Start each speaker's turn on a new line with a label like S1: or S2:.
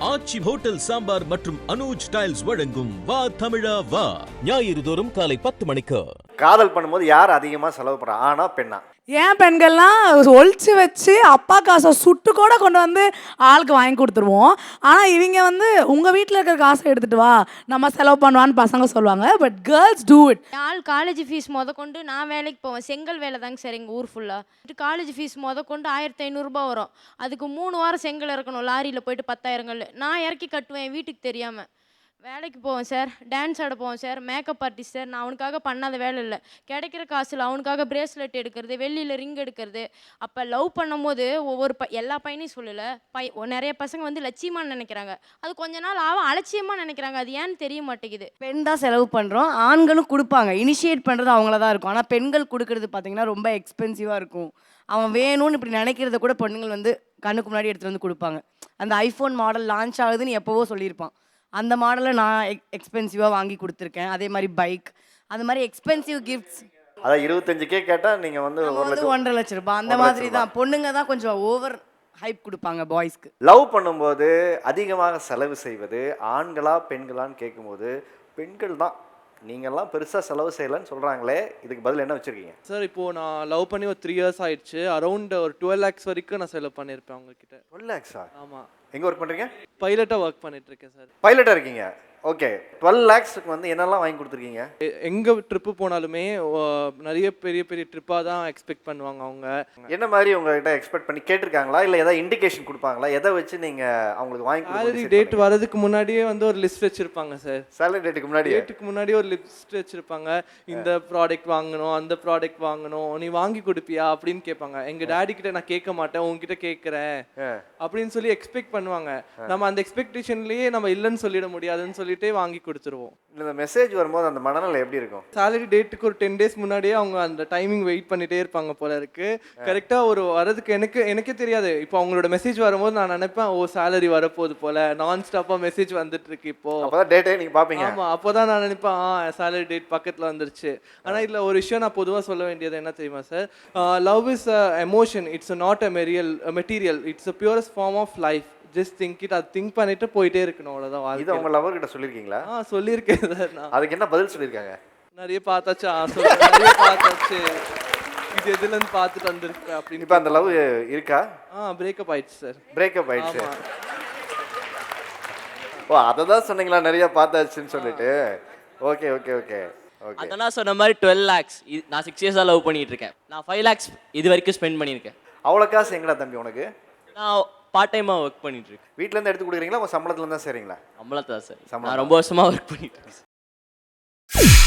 S1: ஆச்சி hotel sambar மற்றும் Anuj tiles வழங்கும் வா தமிழா வா ஞாயிறு தோறும் காலை 10 மணிக்கு.
S2: காதல் பண்ணும்போது யார் அதிகமாக செலவு பண்ணுறா, ஆனா பெண்ணா?
S3: ஏன் பெண்கள்லாம் ஒழிச்சு வச்சு அப்பா காசை சுட்டு கூட கொண்டு வந்து ஆளுக்கு வாங்கி கொடுத்துருவோம். ஆனால் இவங்க வந்து உங்கள் வீட்டில் இருக்கிற காசை எடுத்துகிட்டு வா நம்ம செலவு பண்ணுவான்னு பசங்க சொல்லுவாங்க. But girls do it.
S4: ஆள் காலேஜ் ஃபீஸ் கொண்டு நான் வேலைக்கு போவேன். செங்கல் வேலை தாங்க சார் எங்கள் ஊர் ஃபுல்லாக. காலேஜ் ஃபீஸ் கொண்டு 1500 வரும். அதுக்கு 3 வாரம் செங்கல் இறக்கணும். லாரியில் போயிட்டு 10,000 நான் இறக்கி கட்டுவேன் வீட்டுக்கு தெரியாமல். வேலைக்கு போவேன் சார், டான்ஸ் ஆட போவேன் சார், மேக்கப் ஆர்டிஸ்ட் சார். நான் அவனுக்காக பண்ணாத வேலை இல்லை. கிடைக்கிற காசில் அவனுக்காக பிரேஸ்லெட் எடுக்கிறது, வெள்ளியில் ரிங் எடுக்கிறது. அப்போ லவ் பண்ணும்போது எல்லா பையனையும் சொல்லலை, நிறைய பசங்க வந்து லட்சியமாக நினைக்கிறாங்க. அது கொஞ்ச நாள் அலட்சியமாக நினைக்கிறாங்க. அது ஏன்னு தெரிய மாட்டேங்குது.
S5: பெண் தான் செலவு பண்ணுறோம், ஆண்களும் கொடுப்பாங்க. இனிஷியேட் பண்ணுறது அவங்கள தான் இருக்கும். ஆனால் பெண்கள் கொடுக்கறது பார்த்தீங்கன்னா ரொம்ப எக்ஸ்பென்சிவாக இருக்கும். அவன் வேணும்னு இப்படி நினைக்கிறத கூட பொண்ணுங்கள் வந்து கண்ணுக்கு முன்னாடி எடுத்துகிட்டு வந்து கொடுப்பாங்க. அந்த ஐஃபோன் மாடல் லான்ச் ஆகுதுன்னு எப்போவோ சொல்லியிருப்பான். அந்த மாடலை நான் எக்ஸ்பென்சிவாக வாங்கி கொடுத்துருக்கேன். அதே மாதிரி பைக், அந்த மாதிரி எக்ஸ்பென்சிவ் கிஃப்ட்ஸ்.
S2: அதான் 25K கேட்டால் நீங்கள் வந்து
S5: 1.5 லட்சம் ரூபாய் அந்த மாதிரி தான். பொண்ணுங்க தான் கொஞ்சம் ஓவர் ஹைப் கொடுப்பாங்க பாய்ஸ்க்கு.
S2: லவ் பண்ணும்போது அதிகமாக செலவு செய்வது ஆண்களா பெண்களான்னு கேட்கும்போது பெண்கள் தான். நீங்கள்லாம் பெருசாக செலவு செய்யலைன்னு சொல்கிறாங்களே, இதுக்கு பதில் என்ன வச்சுருக்கீங்க?
S6: சார் இப்போது நான் லவ் பண்ணி ஒரு 3 இயர்ஸ் ஆயிடுச்சு. அரௌண்ட் ஒரு 12 lakhs வரைக்கும் நான் செலவு பண்ணியிருப்பேன் அவங்கக்கிட்ட.
S2: 12 lakhs?
S6: ஆமாம்.
S2: எங்கே ஒர்க் பண்ணுறீங்க?
S6: பைலட்டாக ஒர்க் பண்ணிட்டுருக்கேன் சார்.
S2: பைலட்டாக இருக்கீங்க? ஓகே. 12 lakhsக்கு வந்து என்னெல்லாம் வாங்கி கொடுத்துருக்கீங்க?
S6: எங்கே ட்ரிப்பு போனாலுமே நிறைய பெரிய பெரிய ட்ரிப்பாக தான் எக்ஸ்பெக்ட் பண்ணுவாங்க அவங்க.
S2: என்ன மாதிரி உங்கள்கிட்ட எக்ஸ்பெக்ட் பண்ணி கேட்டிருக்காங்களா, இல்லை ஏதாவது இண்டிகேஷன் கொடுப்பாங்களா? எதை வச்சு நீங்கள் அவங்களுக்கு வாங்கி
S6: சேலரி டேட் வரதுக்கு முன்னாடியே வந்து ஒரு லிஸ்ட் வச்சுருப்பாங்க சார்.
S2: சேலரி டேட்டுக்கு முன்னாடியே
S6: ஒரு லிஸ்ட் வச்சுருப்பாங்க. இந்த ப்ராடக்ட் வாங்கணும், அந்த ப்ராடக்ட் வாங்கணும், நீ வாங்கி கொடுப்பியா அப்படின்னு கேட்பாங்க. எங்கள் டேடி கிட்ட நான் கேட்க மாட்டேன், உங்ககிட்ட கேட்குறேன் அப்படின்னு சொல்லி எக்ஸ்பெக்ட் பண்ணுவாங்க. நம்ம அந்த எக்ஸ்பெக்டேஷன்லேயே நம்ம இல்லைன்னு சொல்லிட முடியாதுன்னு சொல்லி வாங்கி கொடுத்துருவோம்.
S2: இந்த மெசேஜ் வரும்போது அந்த மனநிலை எப்படி இருக்கும்?
S6: சேலரி டேட்டுக்கு ஒரு 10 days முன்னாடியே அவங்க அந்த டைமிங் வெயிட் பண்ணிட்டே இருப்பாங்க போல இருக்கு. கரெக்டாக ஒரு வரதுக்கு எனக்கே தெரியாது. இப்போ அவங்களோட மெசேஜ் வரும்போது நான் நினைப்பேன், ஓ சேலரி வரப்போகுது போல, நான் ஸ்டாப்பாக மெசேஜ் வந்துட்டு இருக்கு இப்போ.
S2: அப்போதான் டேட்டே நீங்கள் பார்ப்பீங்க.
S6: ஆமாம், அப்போதான் நான் நினைப்பேன் சேலரி டேட் பக்கத்தில் வந்துருச்சு. ஆனால் இதில் ஒரு விஷயம் நான் பொதுவாக சொல்ல வேண்டியது என்ன தெரியுமா sir? Love is a emotion, it's not a material, it's a purest form of life. Just think it. அது திங்க் பண்ணிட்டு போயிட்டே இருக்கணும், அவ்வளோதான்.
S2: இது உங்க லவர் கிட்ட சொல்லியிருக்கீங்களா?
S6: சொல்லியிருக்கேன் சார். நான்
S2: அதுக்கு என்ன பதில் சொல்லியிருக்காங்க?
S6: நிறைய பார்த்தாச்சு, நிறைய பார்த்தாச்சு, இது எதுலேருந்து பார்த்துட்டு வந்துருக்கு அப்படின்னு.
S2: இப்போ அந்த லவ் இருக்கா?
S6: பிரேக்கப் ஆயிடுச்சு சார்.
S2: பிரேக்கப் ஆயிடுச்சு. ஓ, அதை தான் சொன்னீங்களா நிறைய பார்த்தாச்சுன்னு சொல்லிட்டு? Okay okay okay okay.
S7: அதான் சொன்ன மாதிரி 12 lakhs நான் 6 years லவ் பண்ணிட்டு இருக்கேன். நான் 5 lakhs இது வரைக்கும் ஸ்பெண்ட் பண்ணியிருக்கேன்.
S2: அவ்வளோ காசு எங்கடா தம்பி உனக்கு?
S7: நான் பார்ட் டைமாக ஒர்க் பண்ணிட்டு இருக்கேன்.
S2: வீட்டிலேருந்து எடுத்து கொடுக்குறீங்களா, உங்கள் சம்பளத்துலேருந்து தான் செய்கிறீங்களா?
S7: சம்பளத்தை தான் சார். நான் ரொம்ப வருஷமாக ஒர்க் பண்ணிட்டு இருக்கேன்.